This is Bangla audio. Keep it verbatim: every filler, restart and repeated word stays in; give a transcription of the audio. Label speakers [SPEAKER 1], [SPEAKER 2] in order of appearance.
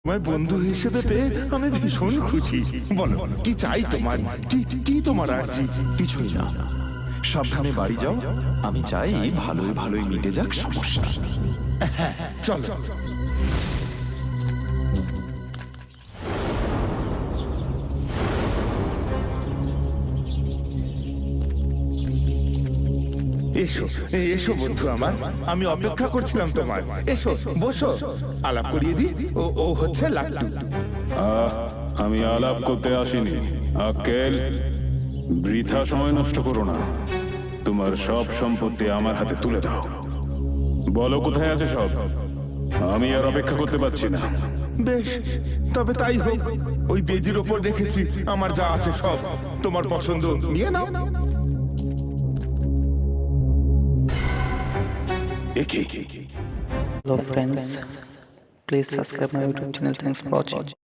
[SPEAKER 1] তোমায় বন্ধু হিসেবে পেয়ে আমি ভীষণ খুশি। বলো কি চাই তোমার, কি কি তোমার আর্জি?
[SPEAKER 2] কিছুই না, সাবধানে বাড়ি যাও। আমি চাই ভালোই ভালোই মিটে যাক সমস্যা।
[SPEAKER 1] চলো। এসো এসো বন্ধু আমার, আমি অপেক্ষা করছিলাম তোমার। এসো বসো, আলাপ করিয়ে দি। ও ও হচ্ছে লাট্টু।
[SPEAKER 3] আহ, আমি আলাপ করতে আসিনি আক্কেল। বৃথা সময় নষ্ট করো না, তোমার সব সম্পত্তি আমার হাতে তুলে দাও। বলো কোথায় আছে সব, আমি আর অপেক্ষা করতে পারছি না।
[SPEAKER 1] বেশ, তবে তাই হোক। ওই বেদির ওপর রেখেছি আমার যা আছে সব, তোমার পছন্দ নিয়ে নাও।
[SPEAKER 3] একে একে
[SPEAKER 4] Hello friends, please subscribe my YouTube channel. Thanks for watching.